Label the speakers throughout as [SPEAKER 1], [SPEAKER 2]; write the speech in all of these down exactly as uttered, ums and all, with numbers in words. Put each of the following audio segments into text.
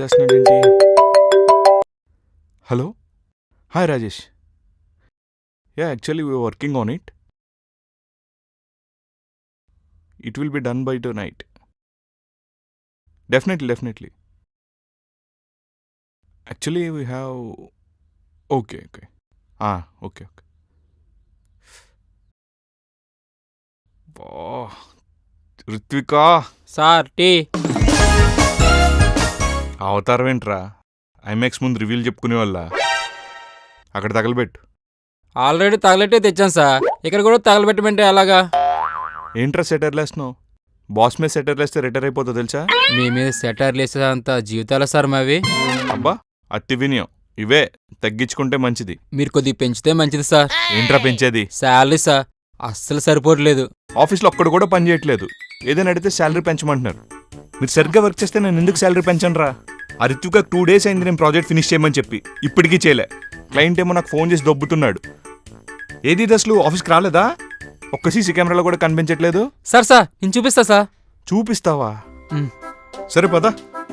[SPEAKER 1] చేస్తున్నాడేంటి? Hello, hi Rajesh. Yeah, actually we working on it. It will be done by tonight. Definitely definitely actually we have. Okay okay okay okay బా Ritvika,
[SPEAKER 2] sir tea.
[SPEAKER 1] అవతారం ఏంట్రా? IMAX ముందు రివ్యూలు చెప్పుకునే వాళ్ళ అక్కడ తగలబెట్టు.
[SPEAKER 2] Already తగలెట్టే తెచ్చాను sir, ఇక్కడ కూడా తగలబెట్టమంటే ఎలాగా?
[SPEAKER 1] ఏంట్రా సెటర్లు వేస్తున్నావు? బాస్ మీద సెటర్లు వేస్తే రిటైర్ అయిపోతావు తెలుసా?
[SPEAKER 2] మీ మీద సెటర్లు వేసేంత జీవితాల సార్ మావి.
[SPEAKER 1] అబ్బా, అతి వినయం. ఇవే తగ్గించుకుంటే మంచిది.
[SPEAKER 2] మీరు కొద్దిగా పెంచితే మంచిది సార్.
[SPEAKER 1] ఏంట్రా పెంచేది?
[SPEAKER 2] శాలరీ సార్ అస్సలు సరిపోవట్లేదు.
[SPEAKER 1] ఆఫీస్లో ఒక్కడు కూడా పని చేయట్లేదు. ఏదైనా అడిగితే శాలరీ పెంచమంటున్నారు. మీరు సరిగ్గా వర్క్ చేస్తే నేను ఎందుకు శాలరీ పెంచను రా? ఆ రిత్విక టూ డేస్ అయింది నేను ప్రాజెక్ట్ ఫినిష్ చేయమని చెప్పి, ఇప్పటికీ చేయలే. క్లయింట్ ఏమో నాకు ఫోన్ చేసి దొబ్బుతున్నాడు. ఏది ఇది అసలు ఆఫీస్కి రాలేదా? ఒక్క సీసీ కెమెరాలో కూడా కనిపించట్లేదు.
[SPEAKER 2] సార్ సార్ నేను చూపిస్తా సార్.
[SPEAKER 1] చూపిస్తావా?
[SPEAKER 2] మ్.
[SPEAKER 1] సరే పదా.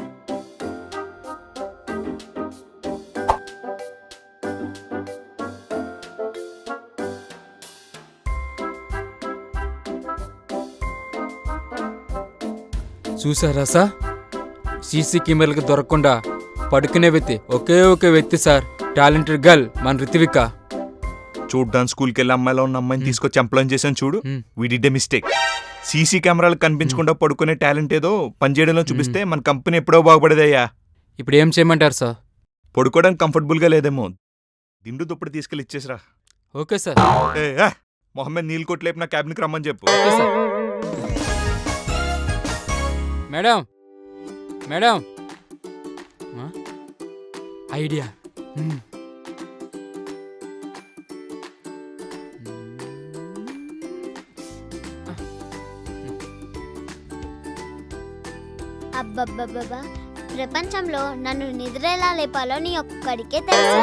[SPEAKER 2] చూసారా సార్, సీసీ కెమెరాలకు దొరకకుండా పడుకునే వ్యక్తి ఒకే ఒక వ్యక్తి సార్, టాలెంటెడ్ గర్ల్ మన రిత్విక.
[SPEAKER 1] చూడ్డానికి స్కూల్కి వెళ్ళి అమ్మాయిలో ఉన్న అమ్మాయిని తీసుకొచ్చి ఎంప్లాయ్ చేశాను చూడు.
[SPEAKER 2] మ్.
[SPEAKER 1] We did a mistake. CC కెమెరాలు కనిపించకుండా పడుకునే టాలెంట్ ఏదో పనిచేయడంలో చూపిస్తే మన కంపెనీ ఎప్పుడో బాగుపడేదయ్యా.
[SPEAKER 2] ఇప్పుడు ఏం చేయమంటారు సార్?
[SPEAKER 1] పడుకోవడానికి కంఫర్టబుల్గా లేదేమో, దిండు దుప్పటి తీసుకెళ్ళి ఇచ్చేసిరా.
[SPEAKER 2] Okay sir.
[SPEAKER 1] ఏ ఏ, మొహమ్మద్ నీల్ కొట్లేపు నా క్యాబిన్కి రమ్మని చెప్పు.
[SPEAKER 2] Okay sir. మేడం మేడం ఆ? ఐడియా. మ్.
[SPEAKER 3] అబ్బబ్బబ్బబ్బా, ప్రపంచంలో నన్ను నిద్ర ఎలా లేపాలో నీ ఒక్కడికే తెలుసా?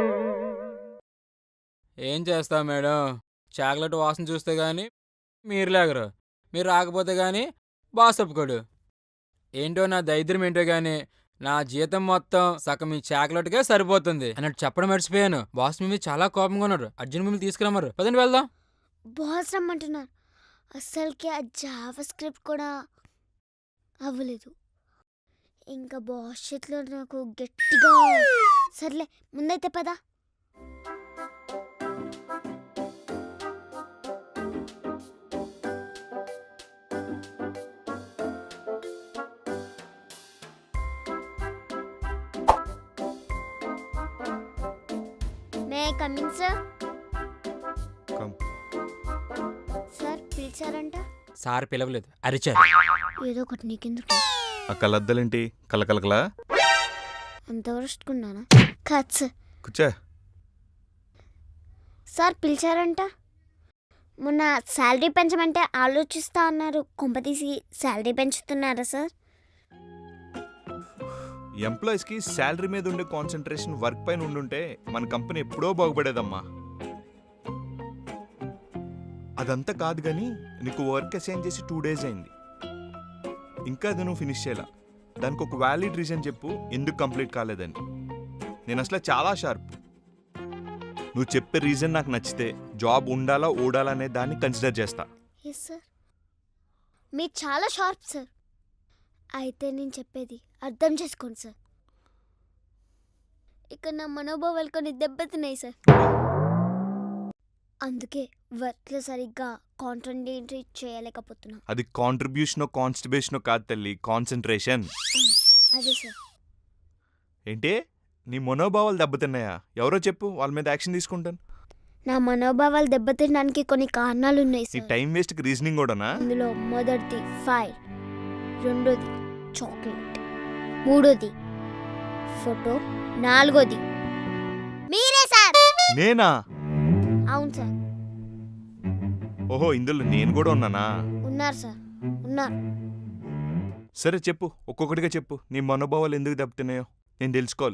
[SPEAKER 2] ఏం చేస్తా మేడం, చాక్లెట్ వాసన చూస్తే గానీ మీరు లేగరు, మీరు రాకపోతే గానీ బాస్ ఒప్పుకోడు. ఏంటో నా దరిద్రం ఏంటో గానీ నా జీతం మొత్తం సగం మీ చాక్లెట్కే సరిపోతుంది అన్నట్టు చెప్పడం మర్చిపోయాను. బాస్ మీ మీద చాలా కోపంగా ఉన్నారు, అర్జున్ మిమ్మల్ని తీసుకురమ్మరు. పదండి వెళ్దాం.
[SPEAKER 3] బాస్ రమ్మంటున్నారు. అస్సలకి ఆ జావా స్క్రిప్ట్ కూడా అవ్వలేదు. ఇంకా బాస్ చేతిలో నాకు గట్టిగా. సర్లే ముందైతే పదా. May coming sir.
[SPEAKER 1] Come.
[SPEAKER 3] Sir పిలిచారంట.
[SPEAKER 2] సార్ పిలవలేదు, అరిచారు.
[SPEAKER 3] ఏదో ఒకటి నీకెందుకు?
[SPEAKER 1] ఆ కలద్దలేంటి కలకలకలా?
[SPEAKER 3] అంత వరస్టుకున్నానా? కాదు సార్.
[SPEAKER 1] కూర్చో.
[SPEAKER 3] సార్ పిలిచారంట. మొన్న శాలరీ పెంచమంటే ఆలోచిస్తా అన్నారు. కొంపతీసి శాలరీ పెంచుతున్నారా సార్?
[SPEAKER 1] ఎంప్లాయీస్కి శాలరీ మీద ఉండే కాన్సన్ట్రేషన్ వర్క్ పైన ఉండుంటే మన కంపెనీ ఎప్పుడో బాగుపడేదమ్మా. అదంతా కాదు కానీ నీకు వర్క్ అసైన్ చేసి టూ డేస్ అయింది, ఇంకా అది నువ్వు ఫినిష్ చేయాల. దానికి ఒక వ్యాలిడ్ రీజన్ చెప్పు ఎందుకు కంప్లీట్ కాలేదని. నేను అసలు చాలా షార్ప్. నువ్వు చెప్పే రీజన్ నాకు నచ్చితే జాబ్ ఉండాలా ఓడాలా అనే దాన్ని కన్సిడర్ చేస్తా.
[SPEAKER 3] ఎస్ సార్, మీరు చాలా షార్ప్ సార్. అయితే నేను చెప్పేది అర్థం చేసుకోండి సార్. ఇక్కడ నా మనోభావాలు కొన్ని దెబ్బతిన్నాయి సార్. అందుకే వర్క్లో సరిగ్గా కాన్సంట్రేట్ చేయలేకపోతున్నా.
[SPEAKER 1] అది కాంట్రిబ్యూషనో కాన్స్టిబేషనో కాదు తల్లి, కాన్సన్ట్రేషన్.
[SPEAKER 3] అదే సార్.
[SPEAKER 1] ఏంటి నీ మనోభావాలు దెబ్బతిన్నాయా? ఎవరో చెప్పు, వాళ్ళ మీద యాక్షన్ తీసుకుంటాను.
[SPEAKER 3] నా మనోభావాలు దెబ్బతినడానికి కొన్ని కారణాలు ఉన్నాయి
[SPEAKER 1] నీ
[SPEAKER 3] సార్.
[SPEAKER 1] టైం వేస్ట్కి రీజనింగ్ కూడానా?
[SPEAKER 3] అందులో మొదటిది ఫైర్, రెండోది చాక్లెట్, మూడోది ఫోటో, నాలుగోది మీరే సార్.
[SPEAKER 1] నేనా?
[SPEAKER 3] అవును సార్.
[SPEAKER 1] ఓహో, ఇందులో నేను కూడా ఉన్నానా?
[SPEAKER 3] ఉన్నారు సార్, ఉన్నారు.
[SPEAKER 1] సరే చెప్పు, ఒక్కొక్కటిగా చెప్పు. నీ మనోభావాలు ఎందుకు దెబ్బతిన్నాయో నేను తెలుసుకోవాలి.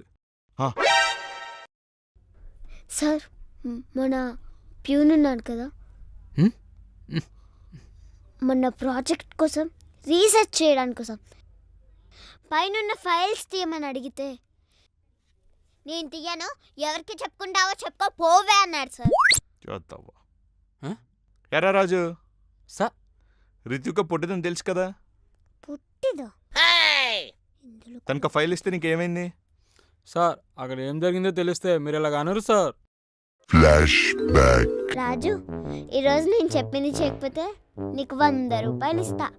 [SPEAKER 3] సార్ మ్, మన ప్యూన్ ఉన్నాడు కదా,
[SPEAKER 2] హ్మ్?
[SPEAKER 3] మన ప్రాజెక్ట్ కోసం రీసెర్చ్ చేయడానికి కోసం పైనున్న ఫైల్స్ తీయమని అడిగితే నేను తీయను, ఎవరికి చెప్పుకుంటావో చెప్పుకో పోవే అన్నాడు సార్.
[SPEAKER 1] చూద్దావా
[SPEAKER 2] ఆ?
[SPEAKER 1] ఎరా రాజు,
[SPEAKER 2] సార్
[SPEAKER 1] రితుక పుట్టిదని తెలుసు కదా,
[SPEAKER 3] పుట్టిదో ఇందులో
[SPEAKER 1] తనకు ఫైల్ ఇస్తే నీకేమైంది?
[SPEAKER 2] సార్ అక్కడ ఏం జరిగిందో తెలిస్తే మీరు ఇలాగ అనరు సార్.
[SPEAKER 3] రాజు, ఈరోజు నేను చెప్పింది చేయకపోతే నీకు వంద రూపాయలు ఇస్తా.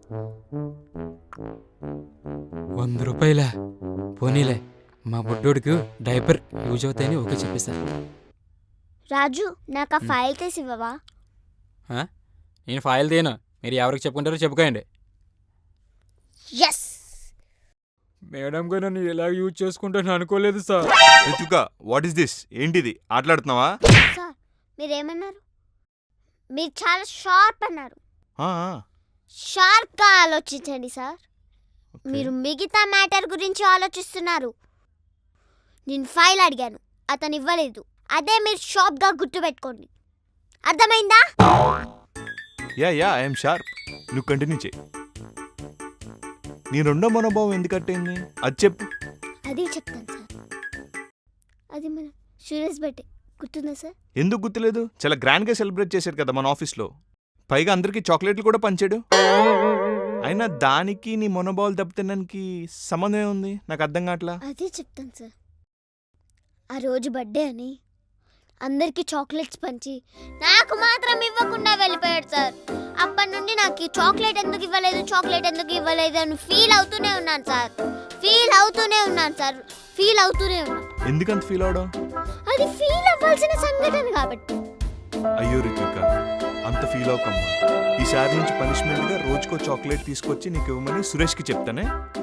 [SPEAKER 2] వంద రూపాయల పోనీలే, మా బుడ్డోడికి డైపర్ యూజ్ అవుతాయని ఓకే చెప్పేశారు.
[SPEAKER 3] రాజు, నాకు ఆ ఫైల్ తీసి ఇవ్వవా?
[SPEAKER 2] ఆ? నేను ఫైల్ తీయను, మీరు ఎవరికి చెప్పుకుంటారో చెప్పుకోండి.
[SPEAKER 3] ఎస్.
[SPEAKER 2] మేడం గారు నన్ను ఎలా యూజ్ చేసుకుంటాను అనుకోలేదు sir.
[SPEAKER 1] Rituka, what is this? ఏంటిది, ఆటలాడుతున్నావా?
[SPEAKER 3] సార్ మీరేమన్నారు? మీరు చాలా షార్ప్ అన్నారు.
[SPEAKER 1] ఆ, ఆ,
[SPEAKER 3] షార్ప్గా ఆలోచించండి సార్.
[SPEAKER 1] ఓకే.
[SPEAKER 3] మీరు మిగతా మ్యాటర్ గురించి ఆలోచిస్తున్నారు. నేను ఫైల్ అడిగాను, అతను ఇవ్వలేదు. అదే మీరు షార్ప్గా గుర్తుపెట్టుకోండి. అర్థమైందా?
[SPEAKER 1] Yeah yeah I'm sharp. నువ్వు కంటిన్యూ చేయి. నీ రెండో మనోభావం ఎందుకు అట్టయింది అది చెప్పు.
[SPEAKER 3] అది చెప్తాను సార్. అది మన సురేష్ బట్టే గుర్తుందా సార్?
[SPEAKER 1] ఎందుకు గుర్తులేదు? చాలా గ్రాండ్గా సెలబ్రేట్ చేశారు కదా మన ఆఫీస్లో. పైగా అందరికీ చాక్లెట్లు కూడా పంచాడు. అయినా దానికి నీ మనోభావాలు దెబ్బతినడానికి సంబంధం ఏముంది? నాకు అర్థం కావట్లా.
[SPEAKER 3] అదే చెప్తాను సార్. ఆ రోజు బర్త్డే అని అందరికీ చాక్లెట్స్ పంచి నాకు మాత్రం ఇవ్వకుండా వెళ్ళిపోయాడు సార్. అప్పటి నుండి నాకు ఈ చాక్లెట్ ఎందుకు ఇవ్వలేదు చాక్లెట్ ఎందుకు ఇవ్వలేదు అని ఫీల్ అవుతూనే ఉన్నాను సార్. ఫీల్ అవుతూనే ఉన్నాను సార్. ఫీల్ అవుతూనే ఉన్నాను.
[SPEAKER 1] ఎందుకంత ఫీల్ అవడం?
[SPEAKER 3] అది ఫీల్ అవ్వాల్సిన సంఘటన కాబట్టి.
[SPEAKER 1] అయ్యో రితిక, అంత ఫీల్ అవకమ్మా. ఈసారి నుంచి పనిష్మెంట్గా రోజుకో చాక్లెట్ తీసుకొచ్చి నీకు ఇవ్వమని సురేష్కి చెప్తానే.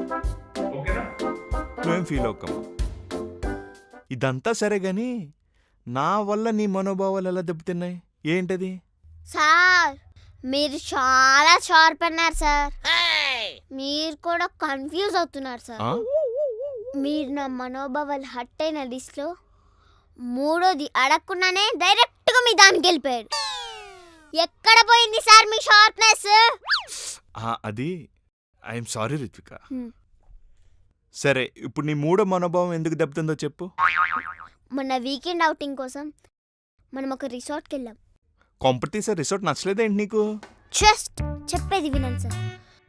[SPEAKER 1] నువ్వేం ఫీల్ అవకమ్మా. ఇదంతా సరే గాని నా వల్ల నీ మనోభావాలు ఎలా దెబ్బతిన్నాయి? ఏంటది?
[SPEAKER 3] సార్ మీరు చాలా షార్ప్ అన్నారు సార్. మీరు కూడా కన్ఫ్యూజ్ అవుతున్నారు సార్.
[SPEAKER 1] ఆ?
[SPEAKER 3] మీరు నా మనోభావాలు హట్ అయిన లిస్ట్లో మూడోది అడగకుండానే డైరెక్ట్గా మీ దానికి వెళ్ళిపోయాడు. ఎక్కడ పోయింది సార్ మీ షార్ప్నెస్?
[SPEAKER 1] ఆ, అది ఐఎమ్ సారీ రిత్విక.
[SPEAKER 3] హ్మ్.
[SPEAKER 1] సరే, ఇప్పుడు నీ మూడో మనోభావం ఎందుకు దెబ్బతిందో చెప్పు.
[SPEAKER 3] మొన్న వీకెండ్ అవుటింగ్ కోసం మనం ఒక రిసార్ట్కి వెళ్ళాం.
[SPEAKER 1] కొంపతీసే రిసార్ట్ నచ్చలేదేంటి నీకు?
[SPEAKER 3] జస్ట్ చెప్పేది వినండి సార్.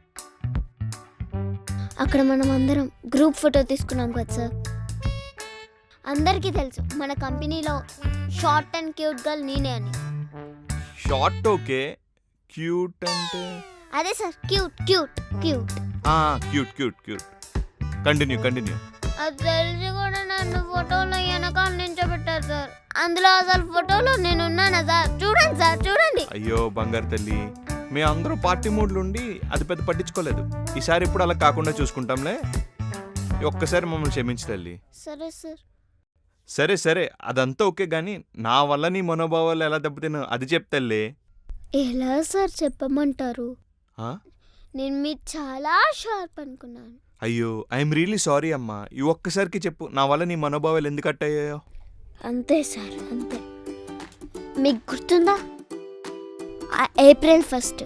[SPEAKER 3] అక్కడ మనం అందరం గ్రూప్ ఫోటో తీసుకున్నాం కదా సార్. అందరికీ తెలుసు మన కంపెనీలో షార్ట్ అండ్ క్యూట్ గర్ల్ నేనే అని.
[SPEAKER 1] షార్ట్ ఓకే, క్యూట్ అంటే
[SPEAKER 3] అదే sir, cute cute cute.
[SPEAKER 1] Cute cute cute continue continue.
[SPEAKER 3] అది తెలిసి కూడా నన్ను ఫోటోలో వెనకాల నించోబెట్టారు సార్. అందులో అసలు ఫోటోలో నేను ఉన్నానా సార్? చూడండి సార్, చూడండి.
[SPEAKER 1] అయ్యో బంగారు తల్లి, మీ అందరూ పార్టీ మూడ్లు ఉండి అది పెద్ద పట్టించుకోలేదు. ఈసారి ఇప్పుడు అలా కాకుండా చూసుకుంటాంలే. ఈ ఒక్కసారి మమ్మల్ని క్షమించు తల్లి.
[SPEAKER 3] సరే సార్.
[SPEAKER 1] సరే సరే, అదంతా ఓకే కానీ నా వల్ల నీ మనోభావాలు ఎలా దెబ్బతిన్నా అది చెప్తల్లే.
[SPEAKER 3] ఎలా సార్ చెప్పమంటారు?
[SPEAKER 1] ఆ?
[SPEAKER 3] నేను మీరు చాలా షార్ప్ అనుకున్నాను.
[SPEAKER 1] అయ్యో ఐఎమ్ రియలీ సారీ అమ్మా. ఈ ఒక్కసారికి చెప్పు, నా వల్ల నీ మనోభావాలు ఎందుకు అట్టయ్యాయో.
[SPEAKER 3] అంతే సార్, అంతే. మీకు గుర్తుందా ఆ ఏప్రిల్ ఫస్ట్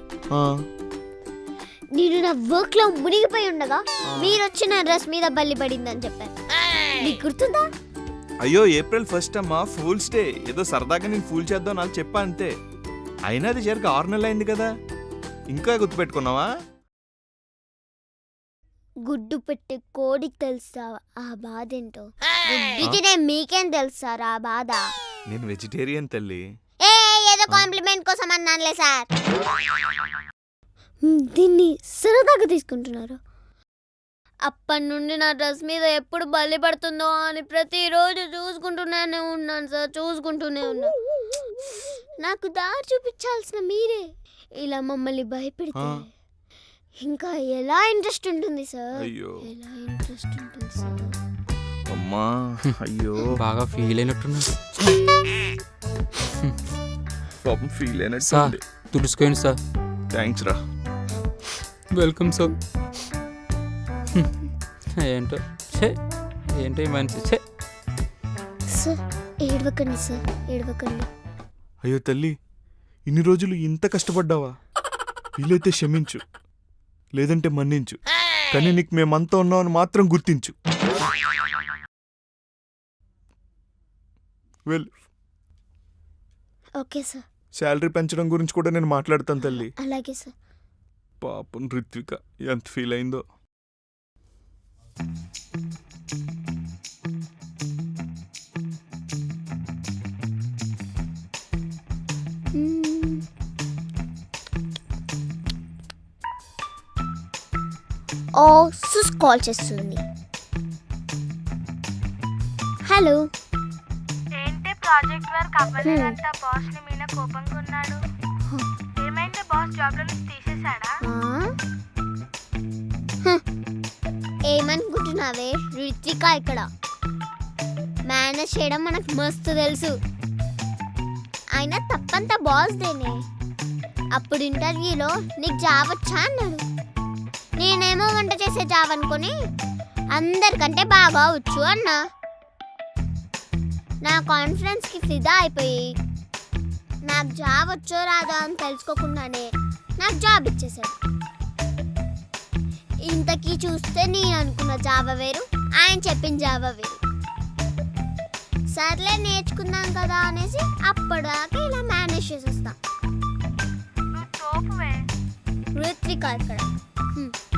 [SPEAKER 3] నేను నా వర్క్ లో మునిగిపోయి ఉండగా మీరు వచ్చి నా డ్రెస్ మీద బల్లి పడిందని చెప్పాను. మీకు గుర్తుందా?
[SPEAKER 1] అయ్యో ఏప్రిల్ ఫస్ట్ అమ్మా, ఫూల్స్ డే. ఏదో సరదాగా నేను ఫూల్ చేద్దాం నాకు చెప్పా అంతే. అయినా అది జరిగి ఆరు నెలలు అయింది కదా, ఇంకా గుర్తుపెట్టుకున్నావా?
[SPEAKER 3] గుడ్డు పెట్టి కోడికి తెలుసా ఆ బాధ ఏంటో? గుడ్డు తినే మీకేం తెలుసారా ఆ బాధ?
[SPEAKER 1] నేను వెజిటేరియన్ తల్లి.
[SPEAKER 3] ఏ ఏదో కాంప్లిమెంట్ కోసం అన్నానులే సార్. దీన్ని సరదాగా తీసుకుంటున్నారు. అప్పటి నుండి నా డ్రెస్ మీద ఎప్పుడు బల్లి పడుతుందో అని ప్రతిరోజు చూసుకుంటూనే ఉన్నాను సార్, చూసుకుంటూనే ఉన్నా. నాకు దారి చూపించాల్సిన మీరే ఇలా మమ్మల్ని భయపెడితే ఇంకా ఎలా ఇంట్రెస్ట్ ఉంటుంది సార్?
[SPEAKER 1] అయ్యో
[SPEAKER 3] ఎలా ఇంట్రెస్ట్ ఉంటుంది సార్?
[SPEAKER 1] అమ్మా, అయ్యో
[SPEAKER 2] బాగా ఫీల్ అయినట్టున్నా
[SPEAKER 1] పాపం ఫీల్
[SPEAKER 2] సార్.
[SPEAKER 1] అయినట్టు.
[SPEAKER 2] తుడుచుకోండి సార్.
[SPEAKER 1] థ్యాంక్స్ రా.
[SPEAKER 2] Welcome sir. ఏంటో ఛే, ఏంటో ఈ మనిషి ఛే.
[SPEAKER 3] సార్ ఏడవకండి సార్, ఏడవకండి.
[SPEAKER 1] అయ్యో తల్లి, ఇన్ని రోజులు ఇంత కష్టపడ్డావా? వీలైతే క్షమించు, లేదంటే మన్నించు. కానీ నీకు మేమంతా ఉన్నామని మాత్రం గుర్తించు. Well,
[SPEAKER 3] okay sir.
[SPEAKER 1] శాలరీ పెంచడం గురించి కూడా నేను మాట్లాడతాను తల్లి.
[SPEAKER 3] అలాగే సార్.
[SPEAKER 1] పాపం రిత్విక ఎంత ఫీల్ అయిందో.
[SPEAKER 3] ఓ సుస్ కాల్ చేస్తుంది. హలో.
[SPEAKER 4] ఏంటి ప్రాజెక్ట్ వర్క్ అవ్వలేదంట, బాస్ ని మీద కోపంగా ఉన్నాడు. ఏమైంది, బాస్ జాబ్ లో నుంచి తీసేశాడా?
[SPEAKER 3] ఏమనుకుంటున్నావే, రిత్విక ఇక్కడ. మేనేజ్ చేయడం మనకు మస్తు తెలుసు. అయినా తప్పంతా బాస్ దేనే. అప్పుడు ఇంటర్వ్యూలో నీకు జాబ్ వచ్చా అన్నాడు. నేనేమో వంట చేసే జాబ్ అనుకుని అందరికంటే బాగా వచ్చు అన్నా. నా కాన్ఫిడెన్స్కి ఫిదా అయిపోయి నాకు జాబ్ వచ్చో రాదా అని తెలుసుకోకుండానే నాకు జాబ్ ఇచ్చేసాడు. ఇంతకీ చూస్తే నేను అనుకున్న జాబ్ వేరు, ఆయన చెప్పిన జాబ్ వేరు. సర్లే నేర్చుకుందాం కదా అనేసి అప్పటిదాకా ఇలా మేనేజ్ చేసేస్తా.
[SPEAKER 4] నువ్వు తోపువే.
[SPEAKER 3] ఋత్విక ఇక్కడ. హ్మ్.